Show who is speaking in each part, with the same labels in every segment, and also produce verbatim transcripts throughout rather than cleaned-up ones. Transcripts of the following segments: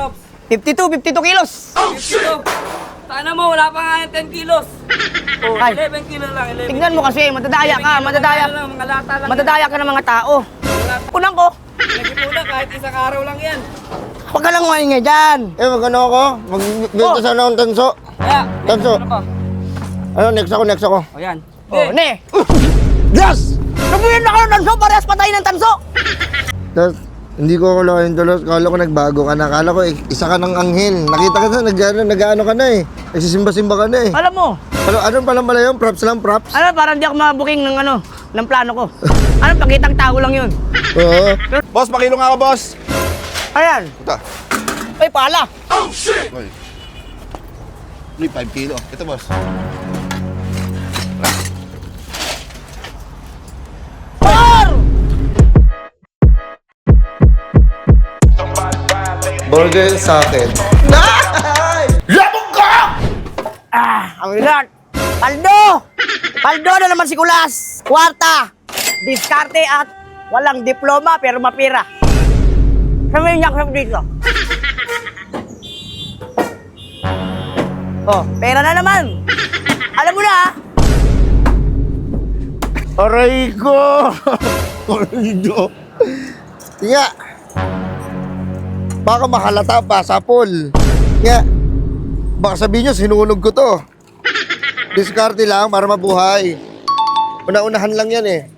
Speaker 1: Trops?
Speaker 2: fifty-two, fifty-two kilos.
Speaker 1: fifty-two. Sana mo, wala pa nga yung ten kilos. Oh,
Speaker 2: Ay.
Speaker 1: eleven kilo lang, eleven.
Speaker 2: Tignan mo kasi, matadaya ka, matadaya.
Speaker 1: Lang, mga lata lang.
Speaker 2: Matadaya ka ng mga tao. Unang ko,
Speaker 1: Nagipuna kahit isang araw lang yan.
Speaker 2: huwag ka lang maingay dyan.
Speaker 3: Eh, magano ako? Magbenta
Speaker 2: Oh.
Speaker 3: sana akong tanso.
Speaker 1: Kaya,
Speaker 3: Tanso.
Speaker 1: ano pa?
Speaker 3: Ano, next ako, next ako.
Speaker 1: O yan.
Speaker 2: Oh, ne.
Speaker 3: Yes!
Speaker 2: Sabihin na ka ng tanso, parehas patay ng tanso.
Speaker 3: Tapos, hindi ko akalain tulos. Kala ko nagbago ka na. Kala ko eh, isa ka ng anghel. Nakita ka na, nag-ano, nag-ano ka na eh. Nagsisimba-simba ka na eh.
Speaker 2: Alam mo,
Speaker 3: Ano, ano palang pala yun? Props lang, props?
Speaker 2: ano, parang di ako mabuking ng ano, ng plano ko. Ano, pakitang tao lang yun.
Speaker 3: Oo.
Speaker 4: Boss, pakilo nga ako, boss.
Speaker 2: Ayan.
Speaker 4: Ito.
Speaker 2: Ay, pala.
Speaker 4: Uy. Uy, five kilo. Ito, boss.
Speaker 2: Par!
Speaker 3: Burger sa akin.
Speaker 2: Ah, ang ilan. Paldo! Paldo na naman si Kulas. Kwarta. Diskarte at walang diploma pero mapira. Sabihin niya ako dito. Oh, pera na naman. Alam mo na ah.
Speaker 3: Aray ko! Ordo. Nga. Baka mahalata pa sa pool. Nga. Baka sabihin nyo, sinunog ko to. Diskarte lang para mabuhay. Una-unahan lang yan eh.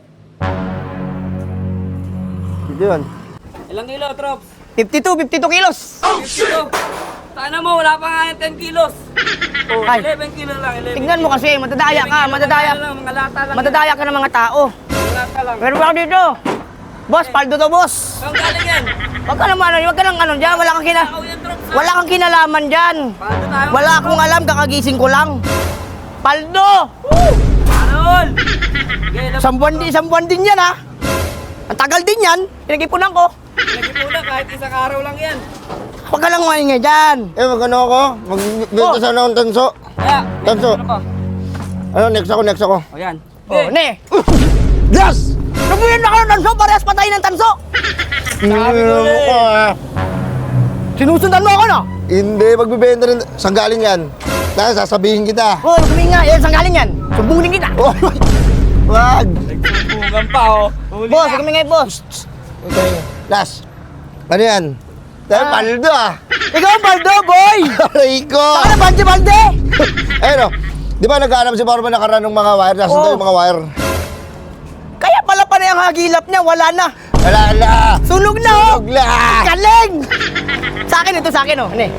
Speaker 3: Ito yun.
Speaker 1: Ilang kilo, Trops?
Speaker 2: fifty-two, fifty-two kilos.
Speaker 1: fifty-two. Sana mo, wala pa nga yung ten kilos. Oh,
Speaker 2: Ay.
Speaker 1: eleven kilo lang, eleven.
Speaker 2: Tignan mo kasi, matadaya ka, matadaya.
Speaker 1: Lang, mga lata lang.
Speaker 2: Matadaya ka ng mga tao.
Speaker 1: Mga lata lang.
Speaker 2: Pero ako dito. Boss, paldo to, boss.
Speaker 1: Saan galing yan?
Speaker 2: Wag ka naman, wag ka lang ano dyan, wala kang kina...
Speaker 1: Ako yan, Trops.
Speaker 2: Wala kang kinalaman dyan.
Speaker 1: Paano tayo?
Speaker 2: Wala akong alam, kakagising ko lang. Paldo!
Speaker 1: Anol! Okay, lab-
Speaker 2: Isang buwan, din- isang buwan din yan, ha? Ang tagal din yan. Pinag-ipunan ko.
Speaker 1: Nagipuna kahit isang araw lang yan.
Speaker 2: Huwag ka lang maingay dyan.
Speaker 3: Eh, magano ako? Magbenta
Speaker 2: Oh.
Speaker 3: sana akong tanso.
Speaker 1: Kaya,
Speaker 3: Tanso.
Speaker 1: ano pa?
Speaker 3: Ano, next ako, next ako.
Speaker 1: O yan.
Speaker 2: Oh, ne.
Speaker 3: Yes!
Speaker 2: Sabihin na ka ng tanso, parehas patay ng tanso.
Speaker 1: Sabi ko
Speaker 3: Ano
Speaker 1: eh.
Speaker 3: ko, ah.
Speaker 2: Sinusundan mo ako, no?
Speaker 3: Hindi, magbibenta rin. Saan galing yan? Dahil sasabihin kita.
Speaker 2: Oh, sabihin nga, eh, saan galing yan? Sumbungin kita.
Speaker 3: Oh, wag!
Speaker 1: Nagsumbungan pa, oh. Huli
Speaker 2: Boss,
Speaker 1: na.
Speaker 2: kami nga, boss.
Speaker 3: Okay, last. Ano yan? Dahil
Speaker 2: Ah.
Speaker 3: paldo ah.
Speaker 2: Ikaw ang paldo, boy.
Speaker 3: Aray ko!
Speaker 2: Saka na, bande-bande.
Speaker 3: Ayun o. Di ba nag-aanap si Barba nakaraan ng mga wire? Nasaan
Speaker 2: Oo.
Speaker 3: daw yung mga wire?
Speaker 2: Kaya pala pa na yung hagilap niya, wala na.
Speaker 3: Wala na!
Speaker 2: Sunog na, oh.
Speaker 3: Sunog na!
Speaker 2: Galing! Sa akin, ito sa akin, oh. Ano eh?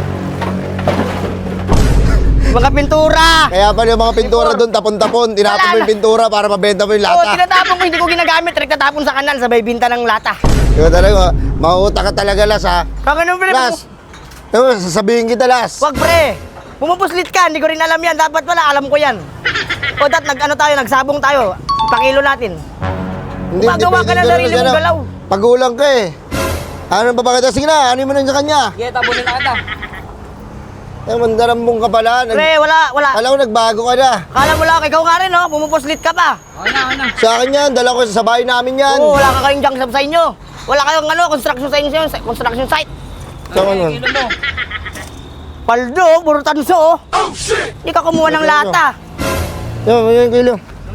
Speaker 2: Mga pintura.
Speaker 3: Kaya pala yung mga pintura doon, tapon-tapon. Tinapon
Speaker 2: Wala
Speaker 3: mo yung
Speaker 2: na.
Speaker 3: pintura para mabenta mo yung
Speaker 2: Oo,
Speaker 3: lata.
Speaker 2: tinatapon ko, hindi ko ginagamit. Nagtatapon sa kanan, sabay binta ng lata.
Speaker 3: Diba talaga, mauuta ka talaga, Las ha?
Speaker 2: Kung ano, pre,
Speaker 3: Las! Diba, sasabihin kita, Las.
Speaker 2: wag pre. Pumupuslit ka, hindi ko rin alam yan. Dapat pala, alam ko yan. O dat, nag, ano tayo, nagsabong tayo. Pakilo natin. Gumagawa ka
Speaker 3: pwede
Speaker 2: na
Speaker 3: ganun
Speaker 2: sarili
Speaker 3: kasi,
Speaker 2: mong
Speaker 3: ano,
Speaker 2: galaw.
Speaker 3: Pagulang ka eh. Ano ba bakit? Sige na, ano mo na sa kanya?
Speaker 1: Sige, tabunin na kita.
Speaker 3: Eh, mandarambong ka pala. Nag-
Speaker 2: Pre, wala, wala.
Speaker 3: Alam ko, nagbago ka na.
Speaker 2: Kala mo lang, ikaw nga rin, no? Pumupuslit ka pa.
Speaker 1: Okay na, okay na.
Speaker 3: Sa akin yan, dala ko sa bahay namin yan.
Speaker 2: Oo, wala ka kayong junk shop sa inyo. Wala kayong ano, construction sa inyo, construction site.
Speaker 3: Sa
Speaker 1: Okay,
Speaker 3: ano?
Speaker 1: kilo mo.
Speaker 2: Paldo, puro tanso, oh. Hindi ka kumuha ng lata.
Speaker 3: Yan, yan, kilo.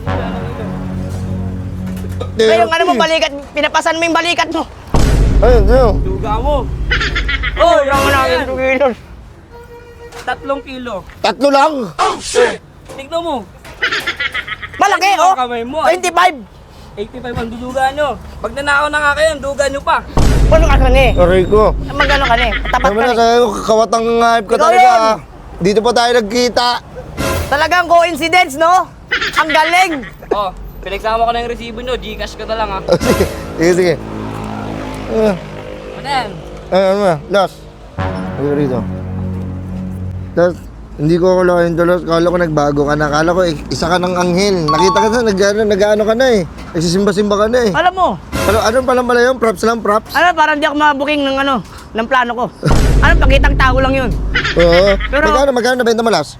Speaker 2: Kaya yung ano mo, balikat, pinapasan mo yung balikat mo.
Speaker 3: Ayun, ayun.
Speaker 1: Duga mo.
Speaker 2: Oh, yung namin, two kilos.
Speaker 1: Tatlong kilo.
Speaker 3: Tatlo lang.
Speaker 1: Tignan mo.
Speaker 2: Malaki,
Speaker 1: Ano
Speaker 2: oh.
Speaker 1: ang kamay mo, ay?
Speaker 2: twenty-five.
Speaker 1: eighty-five ang duduga nyo. Pag nanakaw na nga kayo, ang duga nyo pa.
Speaker 2: Ano ka kan eh?
Speaker 3: Aray ko.
Speaker 2: Magano ka eh? Tapat
Speaker 3: Naman
Speaker 2: ka
Speaker 3: na
Speaker 2: eh.
Speaker 3: sa'yo, kawatang hype ka
Speaker 2: Ikaw
Speaker 3: talaga.
Speaker 2: yun.
Speaker 3: ah. Dito pa tayo nagkita.
Speaker 2: Talagang coincidence, no? Ang galing.
Speaker 1: Oh, pinagsama ko na yung resibo nyo. Gcash ko na lang, ha.
Speaker 3: sige, sige. Uh,
Speaker 1: Ano yan?
Speaker 3: ay, ano na, last. Ayun rito. Tapos, hindi ko akalain dolos. Kala ko nagbago ka na. Kala ko eh, isa ka ng anghel. Nakita ka na, nag-ano, nag-ano ka na eh. Nagsisimba-simba ka na eh.
Speaker 2: Alam mo,
Speaker 3: Ano, ano pala pala yun? Props lang, props?
Speaker 2: ano, parang di ako mabuking ng ano, ng plano ko. Ano, pakitang tao lang yun.
Speaker 3: Oo.
Speaker 2: Pero-
Speaker 3: Magkano, magkano nabenta mo last?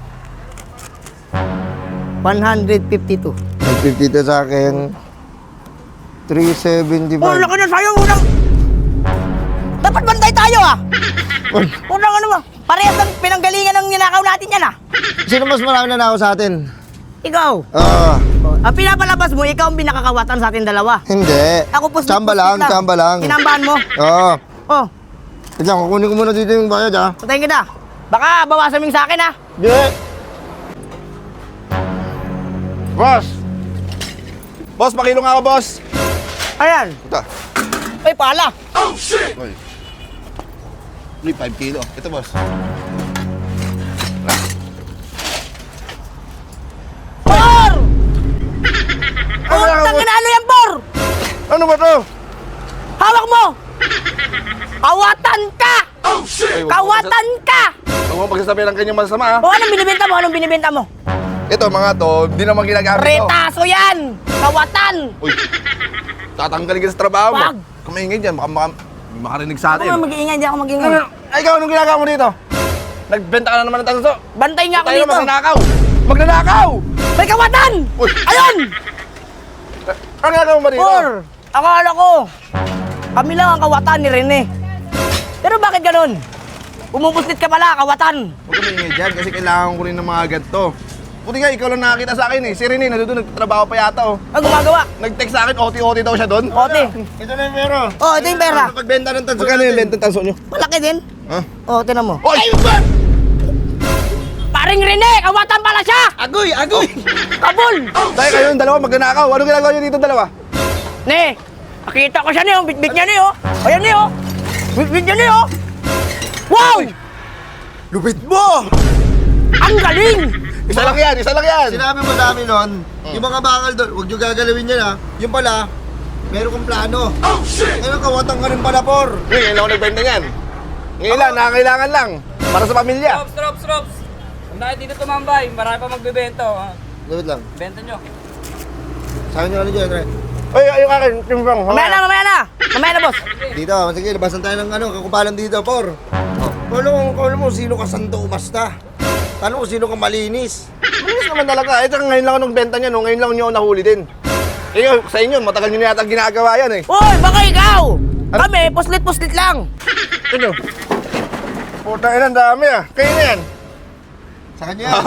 Speaker 2: one fifty-two.
Speaker 3: one fifty to sa akin. three
Speaker 2: Oh,
Speaker 3: seventy-five.
Speaker 2: laki na sa'yo, unang... Ba't Dapat bantay tayo ah! Unang ano mo, parehas ng pinanggalingan ng ninakaw natin yan ah!
Speaker 3: Sino mas marami na ako sa atin?
Speaker 2: Ikaw!
Speaker 3: Ah,
Speaker 2: Ang pinapalabas mo, ikaw ang pinakakawatan sa atin dalawa.
Speaker 3: hindi.
Speaker 2: Ako po
Speaker 3: Tsamba lang, tsamba lang.
Speaker 2: Sinambahan mo.
Speaker 3: Oo.
Speaker 2: Oh,
Speaker 3: Wait lang, kukunin ko muna dito yung bayad ha.
Speaker 2: patayin kita. Baka bawasan mo yung sa akin ha.
Speaker 3: Hindi.
Speaker 4: Boss! Boss, pakilo nga ako, boss!
Speaker 2: Ayan.
Speaker 4: Ito.
Speaker 2: Ay, pala.
Speaker 4: Oy. Uy, five kilo. Ito, boss.
Speaker 2: Por!
Speaker 4: Ano
Speaker 2: Oh,
Speaker 4: yan,
Speaker 2: tangin na ano yan, Por?
Speaker 4: Ano ba to?
Speaker 2: Hawak mo! Kawatan ka!
Speaker 4: Ay, wag mo
Speaker 2: Kawatan ka!
Speaker 4: pagsas- Huwag mo pagsasabi ng kanyang masama, ha?
Speaker 2: O, anong binibenta mo? Anong binibenta mo?
Speaker 4: Ito, mga to, di naman ginagamit to.
Speaker 2: Retaso yan! Kawatan!
Speaker 4: Uy, tatanggalin ka sa trabaho mo.
Speaker 2: Wag.
Speaker 4: Kumaingay dyan, baka maka, may makarinig sa
Speaker 2: Ako
Speaker 4: atin.
Speaker 2: nga mag-iingay, di ako mag-iingay.
Speaker 4: Ano? Ay, ikaw, anong ginagawa mo dito? Nagbenta ka na naman ng tanso.
Speaker 2: Bantay nga ako
Speaker 4: Tayo,
Speaker 2: dito.
Speaker 4: magnanakaw! Magnanakaw!
Speaker 2: May kawatan!
Speaker 4: Uy.
Speaker 2: Ayun!
Speaker 4: Ano ginagawa mo ba dito?
Speaker 2: Por! Akala ko, kami lang ang kawatan ni Rene. Pero bakit ganun? Umubuslit ka pala, kawatan.
Speaker 4: Huwag ka maingay dyan kasi kailangan ko rin ng mga ganito. Buti nga, ikaw lang nakakita sa akin eh. Si Rene, nandun, nagtatrabaho pa yata oh.
Speaker 2: Ang gumagawa?
Speaker 4: Nag-text sa akin, O T O T daw siya doon.
Speaker 2: Ote.
Speaker 3: Ito na yung pera.
Speaker 2: Oh, ito yung pera.
Speaker 3: Pagbenta ng tanso
Speaker 4: Magkano yung bentang tanso nyo?
Speaker 2: Malaki din.
Speaker 4: Ha?
Speaker 2: Oh, tinan mo.
Speaker 4: Oy!
Speaker 2: Paring Rene, kawatan pala siya!
Speaker 3: Agoy! Agoy!
Speaker 2: Kabul!
Speaker 4: Dahil kayo yung dalawa, magnanakaw. Ano ginagawa nyo dito dalawa?
Speaker 2: Ne, nakita ko siya ni, oh. Bitbit niya ni, oh. Ayan ni, oh. Bitbit niya ni, oh. Wow!
Speaker 3: Lupit mo!
Speaker 2: Ang galing!
Speaker 4: Isa lang yan, isa lang yan!
Speaker 3: Sinabi mo sa amin nun, yung mga bakal doon, huwag nyo gagalawin yan ha. Yung pala, meron kong plano. Oh shit! Ngayon kawatang ka rin pala, Por.
Speaker 4: Uy, ngayon lang ako nagbenta niyan. Ngayon lang, nakakailangan lang. Para sa pamilya.
Speaker 1: Drops, drops, drops. Huwag na kayo dito tumambay. Marami pa magbebenta. Oh.
Speaker 3: Lupit lang.
Speaker 1: Benta nyo.
Speaker 3: Sa akin yung ano dyan, Re.
Speaker 4: Uy, yung akin, timbang.
Speaker 2: Mamaya na, mamaya na. Mamaya na, boss.
Speaker 3: Dito, sige, labasan tayo ng ano, kakupalan dito, Por. Oh. Kung alam mo, kung alam mo, sino ka santo umasta. Tanong ko sino ka malinis.
Speaker 4: Malinis naman talaga. Ito ngayon lang ako nagbenta niya, no? Ngayon lang niyo ako nahuli din. Eh, sa inyo, matagal niyo na yata ginagawa yan eh.
Speaker 2: Uy, baka ikaw! Kami, puslit-puslit lang.
Speaker 4: Ito. Puta ina, ang dami ah. Kayo na yan.
Speaker 3: Sa kanya yan.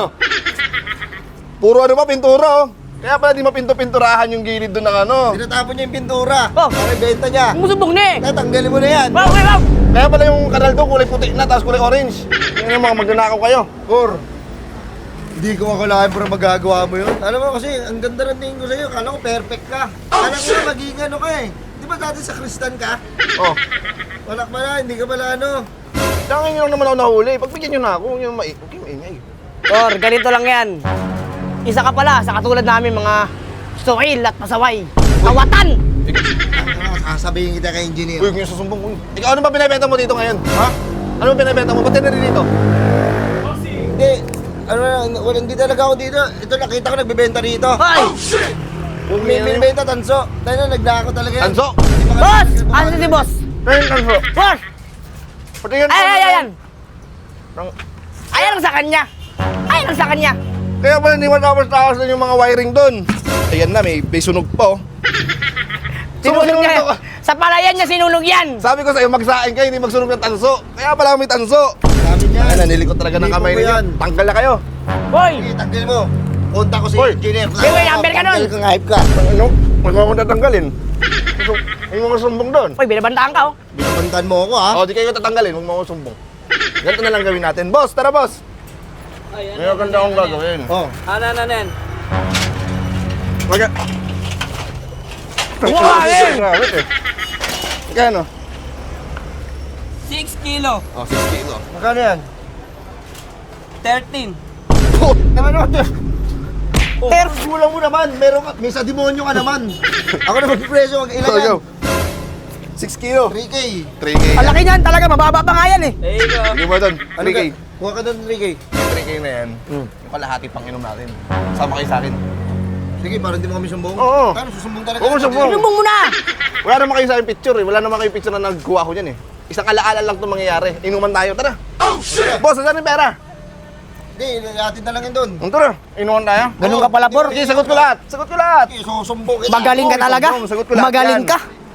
Speaker 4: Puro ano pa, pintura oh. Kaya pala di mapinto-pinturahan yung gilid doon ng ano.
Speaker 3: Tinatapon niya yung pintura.
Speaker 2: Oh.
Speaker 3: Para ibenta niya.
Speaker 2: Ang musubong ni.
Speaker 3: Kaya tanggalin mo na yan.
Speaker 2: Wow, wow, wow.
Speaker 4: Kaya pala yung kanal doon kulay puti na, tapos kulay orange. Yan yung mga magnanakaw kayo.
Speaker 3: Por, hindi ko akalain pero magagawa mo yun. Alam mo kasi, ang ganda ng tingin ko sa'yo. Kala ko perfect ka. Kala ko na maging ano ka eh. Di ba dati sa Kristan ka?
Speaker 4: Oh.
Speaker 3: Wala ka pala, hindi ka pala ano.
Speaker 4: Kaya ngayon lang naman ako nahuli. Pagbigyan nyo na ako, yung mai... Okay, maingay.
Speaker 2: Or, ganito lang yan. Isa ka pala sa katulad namin mga suhil at pasaway. Kawatan!
Speaker 3: Ano, sasabihin kita kay engineer.
Speaker 4: Uy, yung susumbong ko. Ikaw, ano ba binibenta mo dito ngayon? Ha? Ano ba binibenta mo? Ba't tinari dito?
Speaker 3: Hindi, ano na, wala, hindi talaga ako dito. Ito nakita ko nagbebenta dito.
Speaker 2: Hoy!
Speaker 3: May binibenta tanso. Tayo na, nagnako talaga yan.
Speaker 4: Tanso?
Speaker 3: Di ba-
Speaker 2: Boss! Ano si boss?
Speaker 4: Ayun, tanso.
Speaker 2: Boss!
Speaker 4: Pati yan.
Speaker 2: Ay, ay, ay, ayan!
Speaker 4: Nang-
Speaker 2: Ayan ang sa kanya! Ayan ang sa kanya!
Speaker 4: Kaya pala hindi matapos-tapos na yung mga wiring doon. Ayan na, may, may sunog pa oh.
Speaker 2: Sinunog
Speaker 4: Sunog
Speaker 2: niya.
Speaker 4: to.
Speaker 2: Sa palayan niya sinunog yan!
Speaker 4: Sabi ko sa'yo, magsain kayo, hindi magsunog ng tanso. Kaya pala may tanso.
Speaker 3: Sabi niya.
Speaker 4: Ay, nanilikot talaga ng
Speaker 3: Hindi
Speaker 4: kamay
Speaker 3: ko
Speaker 4: ninyo.
Speaker 3: yan.
Speaker 4: Tanggal na kayo.
Speaker 2: Hoy!
Speaker 3: Sige, tanggal mo. Punta ko si
Speaker 4: Hoy.
Speaker 3: engineer.
Speaker 2: Sige, may number ka nun.
Speaker 3: Tanggal kang hype ka.
Speaker 4: Ano? Huwag mo akong tatanggalin. Gusto- May mga sumbong doon.
Speaker 2: Hoy, binabantaan ka, oh!
Speaker 3: Binabantan mo ako ha.
Speaker 4: O, di kayo tatanggalin, huwag mo akong sumbong. Ganito na lang gawin natin. Boss, tara boss.
Speaker 1: Ay,
Speaker 4: May maganda akong gagawin.
Speaker 3: Oh.
Speaker 1: Ano, ano, ano yan?
Speaker 4: Wag ka.
Speaker 2: Wow, eh.
Speaker 4: Grabe eh. Magkano?
Speaker 1: six kilo.
Speaker 4: Oh, six kilo.
Speaker 3: Magkano yan?
Speaker 1: thirteen.
Speaker 3: Naman ako to.
Speaker 2: Oh.
Speaker 3: Pero kulang mo naman. Meron ka. May sa demonyo ka naman. Ako na magpipreso. Wag ilan
Speaker 4: Go,
Speaker 3: yan?
Speaker 4: go. six kilo.
Speaker 3: three K.
Speaker 4: three K.
Speaker 2: Ang laki niyan, talaga, mababa pa nga yan eh!
Speaker 1: There you go.
Speaker 4: Hindi mo doon.
Speaker 3: Ano
Speaker 4: three K.
Speaker 3: ka? Kuha ka doon three K.
Speaker 4: three K na yan. Yung kalahati pang inom natin. Sama kayo sa akin.
Speaker 3: Sige, parang hindi mo kami sumbong.
Speaker 4: Oo.
Speaker 3: Paano susumbong talaga?
Speaker 4: Oo, sumbong.
Speaker 2: Sumbong mo na!
Speaker 4: Wala naman kayo sa akin picture eh. Wala naman kayo picture na nagkuha ko dyan eh. Isang alaala lang itong mangyayari. Inuman tayo. Tara.
Speaker 3: Oh, shit!
Speaker 4: Boss, saan yung pera?
Speaker 3: Hindi, atin na lang yun doon.
Speaker 4: Ang tara. Inuman tayo.
Speaker 2: Ganun ka pala, Por.
Speaker 4: Sige, sagot ko lahat. Sagot ko lahat.
Speaker 3: Sige, susumbong kita.
Speaker 2: Magaling ka talaga?
Speaker 4: Sagot ko lahat
Speaker 2: Magaling
Speaker 4: yan.
Speaker 2: ka?